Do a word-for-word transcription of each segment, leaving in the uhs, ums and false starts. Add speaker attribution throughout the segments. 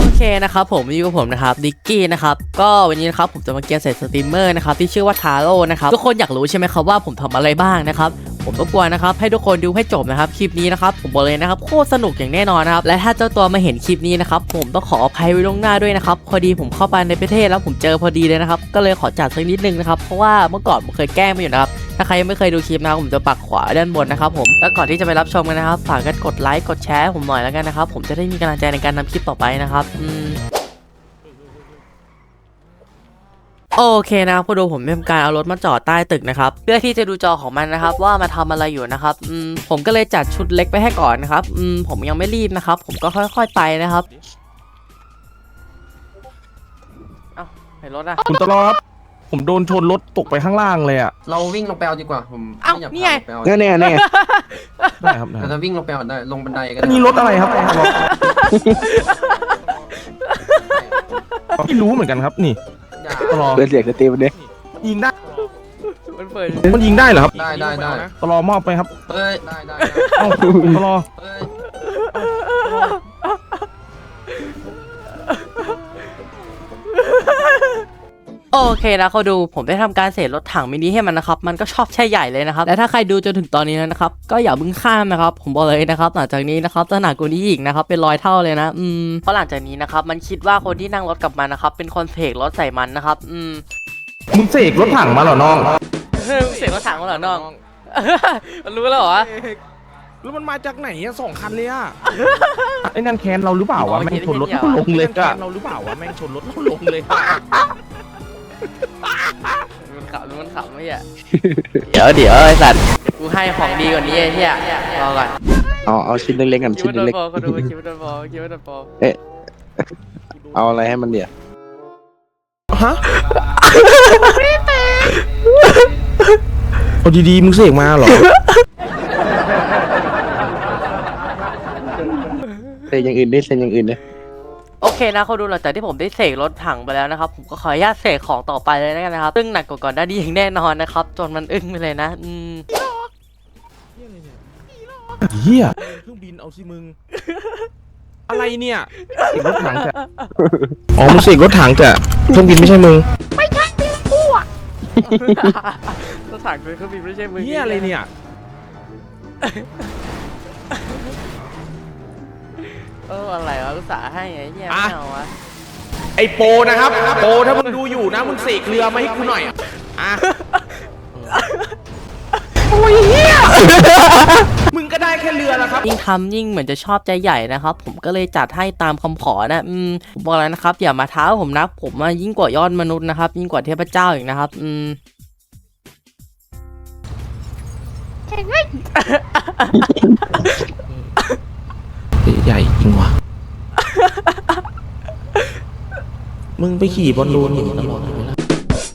Speaker 1: เคนะครับผมอยู่กับผมนะครับดิกกี้นะครับก็วันนี้นะครับผมจะมาเกียร์ใส่สตรีมเมอร์นะครับที่ชื่อว่าทาโร่นะครับทุกคนอยากรู้ใช่ไหมครับว่าผมทำอะไรบ้างนะครับผมรบกวนนะครับให้ทุกคนดูให้จบนะครับคลิปนี้นะครับผมบอกเลยนะครับโคตรสนุกอย่างแน่นอนนะครับและถ้าเจ้าตัวมาเห็นคลิปนี้นะครับผมต้องขออภัยไว้ล่วงหน้าด้วยนะครับพอดีผมเข้าไปในประเทศแล้วผมเจอพอดีเลยนะครับก็เลยขอจัดสักนิดนึงนะครับเพราะว่าเมื่อก่อนผมเคยแกล้งมาอยู่นะครับถ้าใครยังไม่เคยดูคลิปนะครับผมจะปักขวาด้านบนนะครับผมแล้วก่อนที่จะไปรับชมกันนะครับฝากกันกดไลค์กดแชร์ผมหน่อยแล้วกันนะครับผมจะได้มีกำลังใจในการทำคลิปต่อไปนะครับอืมโอเคนะครับพอดูผมทำการเอารถมาจอดใต้ตึกนะครับเพื่อที่จะดูจอของมันนะครับว่ามาทำอะไรอยู่นะครับอืมผมก็เลยจัดชุดเล็กไปให้ก่อนนะครับอืมผมยังไม่รีบนะครับผมก็ค่อยๆไปนะครับเอ้าไหนรถอะ
Speaker 2: คุณตลอดผมโดนชนรถตกไปข้างล่างเลยอ่ะ
Speaker 3: เราวิ่งลงไปเอาดีกว่าผม
Speaker 1: เอ้า
Speaker 3: ม่อยาก
Speaker 1: นี่ไง
Speaker 3: พาลงไปเอา
Speaker 2: แน่แน่แน่ได้ครับได้
Speaker 3: เราจะวิ่งลงไปเอาได้ลงบันไดก็
Speaker 2: อัน
Speaker 3: ได้
Speaker 2: นี้รถอะไรครับไม่รู้เหมือนกันครับนี่
Speaker 3: อย่า
Speaker 2: ตลอด
Speaker 4: เปิดเสียงสตรีมมันดิ
Speaker 2: ยิงได้
Speaker 1: มันเปิด
Speaker 2: มันยิงได้เหรอครับ
Speaker 3: ได้ได้ได้
Speaker 2: ตลอดมอบไปครับ
Speaker 3: เอ้ยได้ได้
Speaker 2: เอ้าตลอด
Speaker 3: เอ้ย
Speaker 1: โอเคนะเขาดูผมได้ทำการเสรรถถังมินิให้มันนะครับมันก็ชอบแช่ใหญ่เลยนะครับและถ้าใครดูจนถึงตอนนี้แล้วนะครับก็อย่าเพิ่งข้ามนะครับผมบอกเลยนะครับหลังจากนี้นะครับจะหนักกว่านี้อีกนะครับเป็นร้อยเท่าเลยนะอืมเพราะหลังจากนี้นะครับมันคิดว่าคนที่นั่งรถกับมันนะครับเป็นคนเสกรถใส่มันนะครับอืม
Speaker 2: มึงเสกรถถังมาเหรอน้อง
Speaker 1: เสกรถถังมาเหรอน้องมันรู้แล้วเหรอ
Speaker 2: แล้วมันมาจากไหนอ่ะสองคันเลยอ่ะไอ้นั่นแคนเราหรือเปล่าวะแม่งชนรถเราลงเลยอ่ะเราหรือเปล่าวะแม่งชนรถเราลงเลย
Speaker 1: มันขำมันขำไม่ใช่เดี๋ยวเดี๋ยวไอ้สัตว์กูให้ของดีกว่านี้ไอ้เหี้ยรอก่อน
Speaker 4: เอาเอาชิ้นเล็กๆกัน
Speaker 1: คิด
Speaker 4: ชิ้น
Speaker 1: ว่าโดน
Speaker 4: เล็ก
Speaker 1: บอลเขาดูคิดว่าโดนบอลคิดว่าโดนบอล
Speaker 4: ๆเอ๊ะเอาอะไรให้มันเดี๋ยว
Speaker 2: ฮะเอาดีๆมึงเสกมาเหรอ
Speaker 4: เซ็นอย่างอื่นดิเซ็นอย่างอื่นดิ
Speaker 1: โอเคนะเขาดูหลังจากที่ผมได้เสกรถถังไปแล้วนะครับผมก็ขออนุญาตเสกของต่อไปเลยนะครับซึ่งหนักกว่าก่อนหน้านี้อย่างแน่นอนนะครับจนมันอึ้งไปเลยนะอืม
Speaker 2: เฮียเครื่องบินเอาสิมึงอะไรเนี่ยเสกรถถังแต่อ๋อมึงเสกรถถังแต่เครื่องบินไม่ใช่มึง
Speaker 1: รถถังคือเครื่องบินไม่ใช่มือ
Speaker 2: เฮียอะไรเนี่ย
Speaker 1: เอออะไรวะอุตส่าห์ให้ไอ้เหี้ยไม่เอาวะ
Speaker 2: ไอโปนะครับโปถ้ามึงดูอยู่นะมึงเสกเรือมาให้กูหน่อยอ่ะโอ้ยเฮียมึงก็ได้แค่เรือแล้วครับ
Speaker 1: ยิ่งทำยิ่งเหมือนจะชอบใจใหญ่นะครับผมก็เลยจัดให้ตามคำขอนะอืมผมบอกแล้วนะครับอย่ามาท้าผมนะผมมายิ่งกว่ายอดมนุษย์นะครับยิ่งกว่าเทพเจ้าอีกนะครับอืม
Speaker 2: ใหญ่จริงวะมึงไปขี่บอลลูนอยู่ตลอดเลยนะ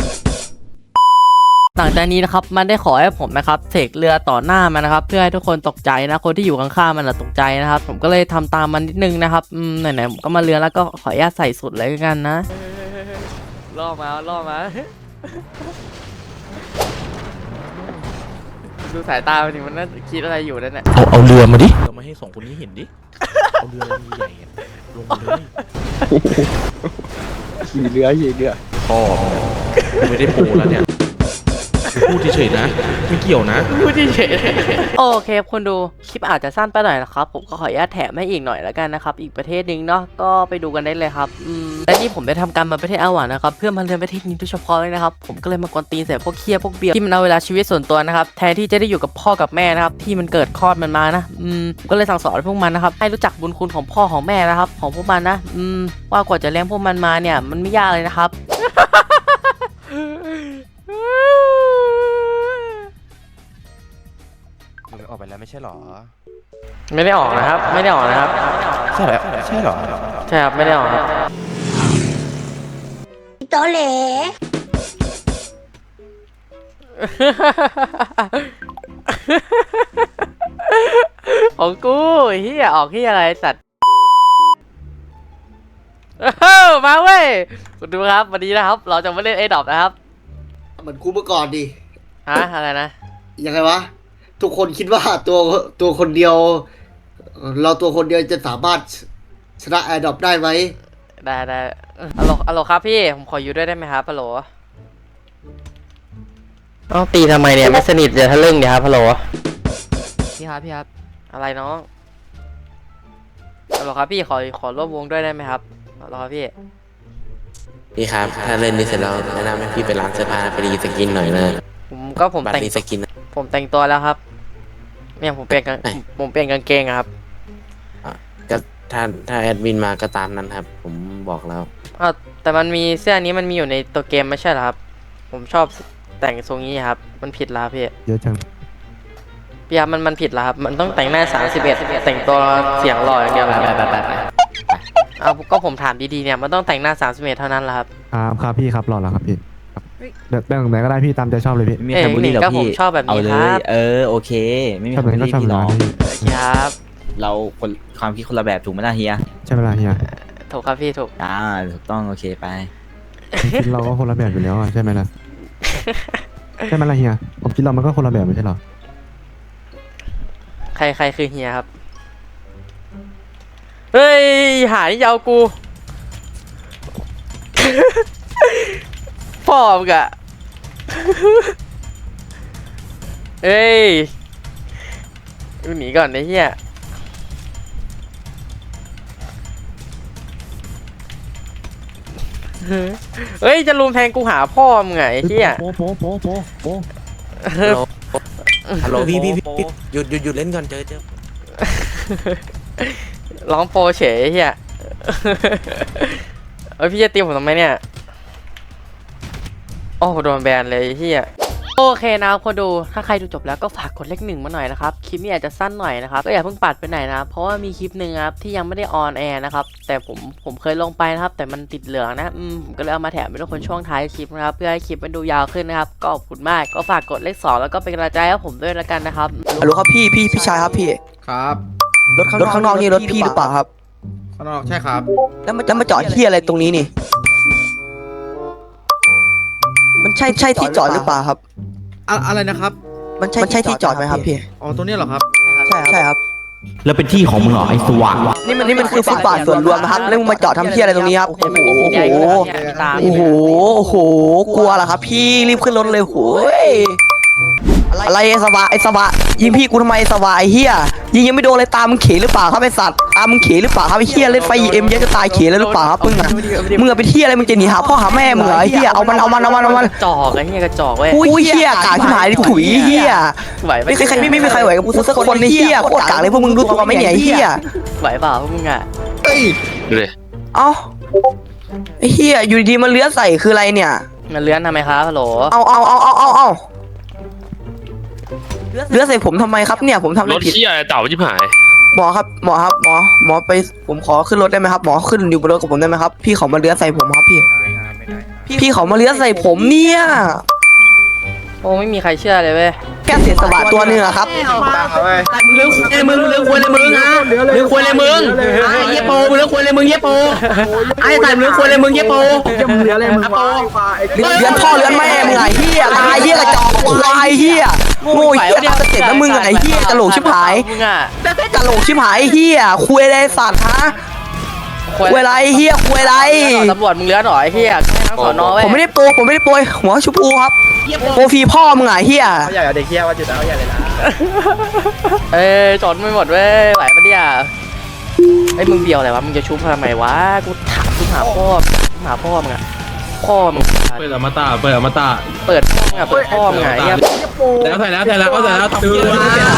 Speaker 1: หลังจากนี้นะครับมันได้ขอให้ผมนะครับเสกเรือต่อหน้ามันนะครับเพื่อให้ทุกคนตกใจนะคนที่อยู่ข้างๆมันตกใจนะครับผมก็เลยทำตามมันนิดนึงนะครับอืมไหนๆผมก็มาเรือแล้วก็ขออนุญาตใส่สุดเลยกันนะล่อมาล่อมาดูสายตามันดิมันน่าคิดอะไรอยู่นั่นแหละ
Speaker 2: เอาเอาเรือมาดิเรามาให้สองคนนี้เห็นดิเอาเรือลำใหญ่ลงมาเลย
Speaker 4: ขี่เรือขี่เรือ
Speaker 2: พ่อไม่ได้โปแล้วเนี่ยพูดเฉยๆนะไม่เกี่ยวนะ
Speaker 1: พูดเฉยโอเคคนดูคลิปอาจจะสั้นไปหน่อยนะครับผมก็ขออนุญาตแถมให้อีกหน่อยแล้วกันนะครับอีกประเทศนึงเนาะก็ไปดูกันได้เลยครับอืมและนี่ผมได้ทำการมาประเทศอาหวานนะครับเพื่อมาเรียนประเทศนี้โดยเฉพาะเลยนะครับผมก็เลยมากวนตีนใส่พวกเคียพวกเบียร์ที่มันเอาเวลาชีวิตส่วนตัวนะครับแทนที่จะได้อยู่กับพ่อกับแม่นะครับที่มันเกิดคลอดมันมานะอืมก็เลยสั่งสอนพวกมันนะครับให้รู้จักบุญคุณของพ่อของแม่นะครับของพวกมันนะอืมว่ากว่าจะเลี้ยงพวกมันมาเนี่ยมันไม่ยากเลยนะครับ
Speaker 5: ออกไปแล้วไม่ใช่หรอ
Speaker 1: ไม่ได้ออกนะครับไม่ได้ออกนะครับ
Speaker 5: ใช่แล้วใช่หรอ
Speaker 1: ใช่ครับไม่ได้ออกครับ
Speaker 6: โตเหล
Speaker 1: ของกูเฮียออกเฮียอะไรสัตว์มาเว้ยคุณดูครับวันนี้นะครับเราจะมาเล่นไอ้ดอบนะครับ
Speaker 7: เหมือนกูเมื่อก่อนดิ
Speaker 1: ฮะอะไรนะ
Speaker 7: ยังไงวะ ทุกคนคิดว่าตัวตัวคนเดียว เราตัวคนเดียวจะสามารถชนะแอร์ดรอปได้ไหม
Speaker 1: ได้ได้ฮัลโหลฮัลโหลครับพี่ผมขออยู่ด้วยได้ไหมครับฮัลโหลต้องตีทำไมเนี่ยไม่สนิทจะทะลึ่งเดี๋ยวครับฮัลโหลพี่ครับพี่ครับอะไรน้องฮัลโหลครับพี่ขอขอร่วมวงด้วยได้ไหมครับฮัลโหลครับพี่
Speaker 6: พี่ครับ ถ้าเล่นนี้เสร็จแล้วแนะนำให้พี่ไปร้านเสื้อผ้าไปรีสกินหน่อยนะ
Speaker 1: ผมก็ผม
Speaker 6: บัต
Speaker 1: แต่ง
Speaker 6: รรีสกินนะ
Speaker 1: ผมแต่งตัวแล้วครับเนี่ยผมเปลี่ยนกาง
Speaker 6: ไหน
Speaker 1: ผมเปลี่ยนกางเกงอะครับ
Speaker 6: ก็ถ้าถ้าแอดมินมาก็ตามนั้นครับ ผมบอกแล้ว
Speaker 1: อ้าวแต่มันมีเสื้อนี้มันมีอยู่ในตัวเกมไม่ใช่เหรอครับ ผมชอบแต่งทรงนี้ครับ มันผิดแล้วพี่
Speaker 8: เยอะจัง
Speaker 1: พี่ครับมันมันผิดแล้วครับ มันต้องแต่งหน้าสามสิบเอ็ดแต่งตัวเสียงหล่ออย่างเดียวเหรอครับเอาก็ผมถามดีๆเนี่ยมันต้องแต่งหน้าสามสิบเอ็ดเท่านั้นแหละครับ
Speaker 8: ครับครับพี่ครับรอแล้วครับพี่ครับเดี๋ยวแต่งไหนก็ได้พี่ตามใจชอบเลยพี่
Speaker 9: ไม่มี
Speaker 1: เอ้ย
Speaker 9: ใครบูลลี่หรอก
Speaker 1: ก็ผม
Speaker 9: พี่
Speaker 1: ชอบแบบนี้
Speaker 9: เอาเลย
Speaker 1: ครับ
Speaker 9: เออโอเค ไม่มี
Speaker 8: ชอบ
Speaker 9: ใคร
Speaker 8: แบบ
Speaker 9: บูล
Speaker 8: นี้ก็
Speaker 9: ลี่
Speaker 8: ชอบ
Speaker 9: พี่
Speaker 8: แบบ
Speaker 9: หรอก
Speaker 8: นั้นพี่
Speaker 1: ครับ
Speaker 9: เราคนความคิดคนละแบบถูกไหมล่ะเฮีย
Speaker 8: ใช่เวลาเฮีย
Speaker 1: ถูกครับพี่ถูก
Speaker 9: อ่าถูกต้องโอเคไป
Speaker 8: คิดเราก็คนละแบบอยู่แล้วอะใช่ไหมล่ะใช่ไหมล่ะเฮียผมคิดเรามันก็คนละแบบไม่ใช่หรอ
Speaker 1: ใครใครคือเฮียครับ เฮ้ยหาที่ยาวกู พ่อมึงอะเฮ้ยกูหนีก่อนไอ้เฮียเฮ้ยจะลุมแทงกูหาพ่อมึงไงไอ้เฮีย
Speaker 8: โป๊โป๊โป๊โป๊โป๊
Speaker 6: ฮัลโหลพี่พี่พี่พี่หยุดหยุดหยุดเล่นก่อนเจอเจอ
Speaker 1: ร้องโปรเฉยไอ้เฮียเอ้ยพี่จะตีผมทำไมเนี่ยโอ้โดนแบนเลยไอ้เฮียโอเคนะครับคนดูถ้าใครดูจบแล้วก็ฝากกดเลขหนึ่งมาหน่อยนะครับคลิปนี้อาจจะสั้นหน่อยนะครับก็อย่าเพิ่งปัดไปไหนนะเพราะว่ามีคลิปหนึ่งครับที่ยังไม่ได้ออนแอร์นะครับแต่ผมผมเคยลงไปนะครับแต่มันติดเหลืองนะอืมผมก็เลยเอามาแถมให้ทุกคนช่วงท้ายคลิปนะครับเพื่อให้คลิปมันดูยาวขึ้นนะครับก็ขอบคุณมากก็ฝากกดเลขสองแล้วก็เป็นกำลังใจให้ผมด้วยละกันนะครับ
Speaker 10: ฮัลโหลครับพี่พี่พี่ชายครับพี่
Speaker 2: ครับ
Speaker 10: รถรถข้างนอกนี่รถพี่หรือเปล่าครับ
Speaker 2: ข้างนอกใช่ครับ
Speaker 10: แล้วมันจะมาจอดที่อะไรตรงนี้นี่ มันใช่ใช่ที่จอดหรือเปล่าครับ
Speaker 2: อะอะไรนะครับ
Speaker 10: มันใช่มันใช่ที่จอดไหมครับพี่
Speaker 2: อ๋อ ตัวนี้เหรอครับ
Speaker 10: ใช่ครับใช่ครับ
Speaker 9: แล้วเป็นที่ของมึงเหรอไอ้สว่าง
Speaker 10: นี่มันนี่มันคือฟุตบาทส่วนรวมนะครับแล้วมึงมาจอดทำที่อะไรตรงนี้ครับ โอ้โห โอ้โห โอ้โห โอ้โห กลัวเหรอครับพี่รีบขึ้นรถเลยโหยอะไรไอ้สวะไอ้สวะยิงพี่กูทำไมไอ้สวะไอ้เฮียยิงยังไม่โดนเลยตามึงเขหรือเปล่าครับไอ้สัตว์ตามึงเขหรือเปล่าครับไอ้เฮียเล่นไฟเอ็มเยอะจะตายเขแล้วหรือเปล่าครับมึงอะมึงอะไปเที่ยอะไรมึงจะหนีหาพ่อหาแม่มึงเหรอไอ้เฮียเอามันเอามันเอามันเอามัน
Speaker 1: จอกไอ้เฮียกระจอกเว้ย
Speaker 10: อุ้ยเฮียกากที่หายถุยเฮีย
Speaker 1: ไหวไหม
Speaker 10: ไม่เคยใครไม่ไม่มีใครไหวกับกูสักคนในเฮียโคตรกากเลยพวกมึงรู้ตัวไหมเนี่ยไอ้เฮีย
Speaker 1: ไหวเปล่าพวกมึงอ่ะ
Speaker 10: เอ้าไอ้เฮียอยู่ดีๆมันเลื้อยใส่คืออะไรเนี่ย
Speaker 1: มันเลื้อนทำไมครับฮัลโหล
Speaker 10: เอาเอาเอาเอาเอาเอาเลื้อยใส่ผมทำไมครับเนี่ยผมทำอะไรผิด
Speaker 6: เต่าชิบหาย
Speaker 10: หมอครับหมอครับหมอหมอไปผมขอขึ้นรถได้ไหมครับหมอขึ้นอยู่บนรถกับผมได้ไหมครับพี่เขามาเลื้อยใส่ผมครับพี่พี่เขามาเลื้อยใส่ผมเนี่ย
Speaker 1: โอ้ไม่มีใครเชื่อเลยเว้ย
Speaker 10: แค่เสียสละตัวหนึงอะครับ
Speaker 7: มึงเลือกควายมึงเลือกควายเลยมึงฮะเลือกควายเลยมึงไอ้เหี้ยโปมึงเลือกควายเลยมึงเหี้ยโปไอ้สายมึงเลือกควายเลยมึงเหี้ยโป
Speaker 10: เลื้อนพ่อเลื้อนแม่มึงไงเฮียตายเฮียกระจอกควายเฮียโง่เฮียจะเสร็จแล้วมึงไงเฮียกะโหลกชิบหาย
Speaker 1: มึงอ่ะ
Speaker 10: กะโหลกชิบหายเฮียคุยอะไรสัตว์ฮะคุยอะไรเฮียคุยอะไร
Speaker 1: ตำรวจมึงเลื้อนหรอไอ้เฮียทั้งสอนอเว้ย
Speaker 10: ผมไม่ได้โปรผมไม่ได้โปรยหัวชุบปูครับโปรฟรีพ่อมึงไงเฮีย
Speaker 2: เขาใหญ่เอาเด็กเฮียว่าจุดเอาใหญ่เลยนะ
Speaker 1: เอ้ยจนไม่หมดเว้ยไหวปะเนี่ยไอ้ยมึงเบียวอะไรวะมึงจะชุบทำไมวะกูถามกูหาพ่อหาพ่อมึงอะพ่อมึง
Speaker 2: เปิดอมตะเปิดอมตะ
Speaker 1: เปิดพ่อมึงอะเปิดพ่อมึงอะไอ้เฮีย
Speaker 2: แล้วใส่แล้วใส่แล้วก็ใส่แล้วตับเยอะ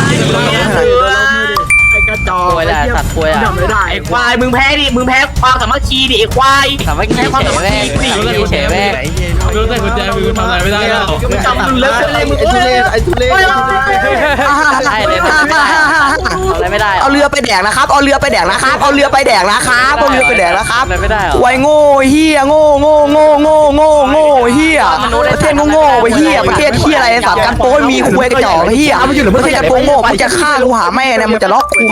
Speaker 7: ไอ้กระจอก
Speaker 1: ป่วยแหละสัตว์ป่วยอะ
Speaker 7: ไอ้ควายมึงแพ้ดิมึงแพ้ความสามัคคีดิไอ้ควาย
Speaker 1: สามัคคีเฉยแม่งสามัคคีเฉยแม่ง
Speaker 2: รู้ใส่กุญแจมือทำอะไรไม่ได้แล้ว
Speaker 7: มึงจำมึงเลิกเลยมึงเอ้ย
Speaker 2: ไอ้ทุเรศ
Speaker 1: ได้เลยทำอะไรไม่ได้
Speaker 10: เอาเรือไปแดกนะครับเอาเรือไปแดกนะครับเอาเรือไปแดกนะครับเอาเรือไปแดกนะครับ
Speaker 1: อะไรไม่ได้หรอ
Speaker 10: ควายโง่เฮียโง่โง่โง่โง่โง่โง่เฮียประเทศโง่ๆไปเฮียประเทศเฮียอะไรสัตว์กันโป้ยมีควายกระจอกเฮียมันอยู่หรือประเทศกันโป้โง่มึงจะฆ่ากูหาแม่เนี่ยมึงจะล็อกกูหา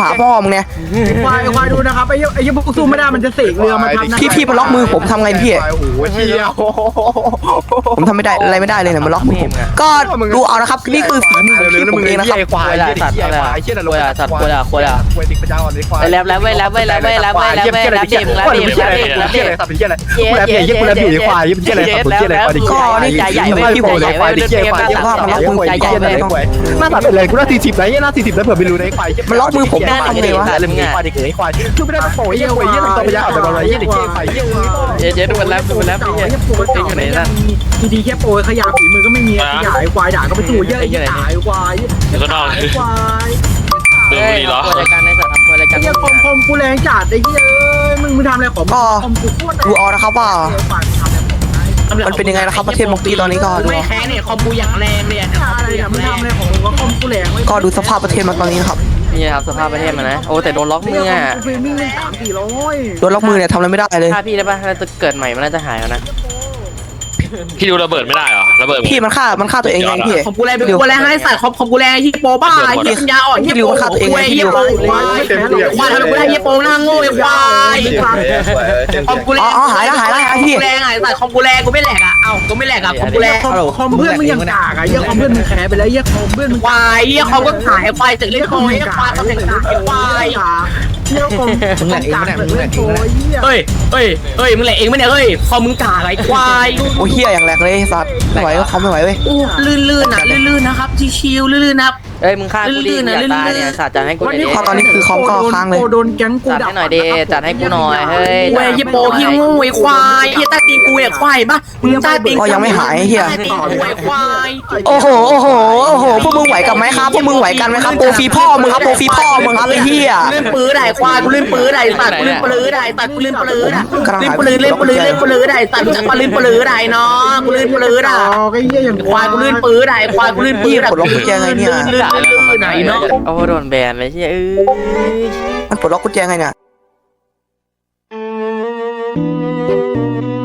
Speaker 10: าพ่อมึงเนี่ย
Speaker 7: ควายควายดูนะครับไอ้ไอ้ยังพวกสู้ไม่ได้มันจะเสกเรือมาทำนะ
Speaker 10: พี่พี่มาล็อกมือผมทำไงพี่
Speaker 2: โอ้โหเชี่ยว
Speaker 10: ผมทำไม่ได้อะไรไม่ได้เลยเนี่ยมันล็อกมือผมก็ดูเอานะครับนี่คือฝีมือของพี่ผมเองนะครับ
Speaker 2: ควายสัตว์อะไรเชี่ยนรกสัตว์ควายควายควายดิกปัญญาอ่อนเลยควาย
Speaker 1: แล้วแล้วเว้ยแล้วเว้ยแล้วเว้ยแล้วเว้ยแล้วเว้ยแล้วเว้ยแล้วเว้ยแล้วเว้ยแล้วเว้ยแล้วเว้ย
Speaker 2: เชี่ยอะไรสัตว์เป็นเชี่ยอะไรกูแลเพียยี่กูแลเพียควายยี่เป็นเชี่ยอะไรสัตว์เป็นเชี่ยอะไรควายดิ
Speaker 10: ก็นี่ใจใหญ่เว้ยพี่ผมใหญ่เว้ยเรียกว่ามันล็อกมือใจใหญ่เว้ย
Speaker 2: หน้าตัดเป็นเลยกูหน้าสี่สิบไหนหน้าสี่สิบแล้วเผื่อไม่รู้ในควาย
Speaker 10: มันล็อกมือผมได้ทำไงวะ
Speaker 2: เรื่องควายดิเกยควายคือไม่ได้โป่ยยี่ควายยี่ตัวปัญญาอ่อนแบบอะไรยี่เด็กเชี่ยควายยี่
Speaker 1: เจ๊เจ๊ดูมันแล้วดูมันแล้วพี่
Speaker 7: ไอ้โปรเก่าเนี่ยมีดีแค่โปรขยะฝีมือก็ไม่มีขยะไอ้ควายด่าก็ไปสู้เยอะไอ้ด่าไอ้ควายไอ้ควาย
Speaker 1: เฮ้ยเหรอรายการในสถานราย
Speaker 7: ไอ้
Speaker 1: การ
Speaker 7: เหี้ยคอมคอมกูแรงจัดไอ้เหี้ยมึงมึงทำอะไรของคอมกูโคตร
Speaker 10: ดูเอานะครับว่ามันเป็นยังไงนะครับประเทศมอกกี้ตอนนี้ก็ดู
Speaker 7: ไม่แพ้เนี่ยคอมกูอย่างแรงเลยอ่ะอะไรอ่ะมึงทำอะไรของมึงว่าคอมกูแรง
Speaker 10: ก็ดูสภาพประเทศมันตอนนี้นะครับ
Speaker 1: นี่ครับสภาพประเทศมันนะโอ้แต่โดนล็อกมืออ่ะ
Speaker 7: ฟิล์มิ่งสามสี่ร้อย
Speaker 10: โดนล็อกมือเนี่ยทำอะไรไม่ได้เลย
Speaker 1: ถ้าพี่ได้ป่ะถ้าจะเกิดใหม่มันน่าจะหายแล้วนะ
Speaker 6: พี่ดูระเบิดไม่ได้เหรอระเบิด
Speaker 10: พี่มันฆ่ามันฆ่าตัวเองไงพี่
Speaker 7: คอมกูแรงกูแรงให้ใส่คอมคอมกูแรงยี่โปบ้ายี่ปัญญาอ่อนยี่โปควายยี่โปควายควายทำไมกูได้ยี่โปหน้าโง่ไอ้ควายคอมกูแรง
Speaker 10: อ๋อหายแล้วหายแล้วหายพี่
Speaker 7: แรงไงใส่คอมกูแรงกูไม่แหลกอ่ะเอ้ากูไม่แหลกอ่ะคอมกูแรงคอมเพื่อนมึงยังกากอ่ะยี่คอมเพื่อนมึงแพ้ไปแล้วยี่คอมเพื่อนมึงควายยี่คอมก็ขายควายเสร็จเล่นคอมยี่ควายเขาแข่งขายควายยี่คอมมึงแหลกเองมึงแหลกเองเฮ้ยเฮ้ยเฮ้ยมึงแหลกเองไหมเนี่ยเฮ้ยคอมมึงกากไอ้ควาย
Speaker 10: โอ้เฮียอย่างแรกเลยสัตว์ไม่ไหวก็เขาไม่ไหวเว้ย
Speaker 7: โอ้ลื่นๆนะลื่นๆนะครับชิวๆลื่นๆนะครับ
Speaker 1: เอ้ยมึงฆ่ากูดิอย่าตายเนี่ยสัตว์จัดให้กูหน่อยดิ
Speaker 10: พอตอนนี้คือคอมก็ค้างเลย
Speaker 7: โดนแก๊งกู
Speaker 1: จัดให้หน่อยดิจัดให้กูหน่อยเฮ้ย
Speaker 7: เว้ยยี่โปพี่งูไอ้ควายยี่ใต้ตีนกูเนี่ยควายปะมึงใต้ตีน
Speaker 10: ก็ยังไม่หายเฮีย
Speaker 7: ใต้ตีนกูไอ้ควาย
Speaker 10: โอ้โหโอ้โหโอ้โหพวกมึงไหวกันไหมครับพวกมึงไหวกันไหมครับโปรฟีพ่อมึงครับโปรฟีพ่อมึงครับไอ้เฮีย
Speaker 7: เล่นปืนได้ควายกูเล่นปืนได้สัตว์กูเล่นปืนได้สัตว์กูเล่นปืนเล่นปืนเล่นปืนเล่นปืนได้สัตว์มึงจะมาเล่นปืนได้เนาะกูเล่นปืนได้ควายกูเล่นปืนได้ควายกูเล่นปืนได้ลื่นๆไหนเนาะ
Speaker 1: โอ้โดนแบนเลยเชี่ยเอ้ย
Speaker 10: มันปลดล็อกกุญแจไงเนี่ย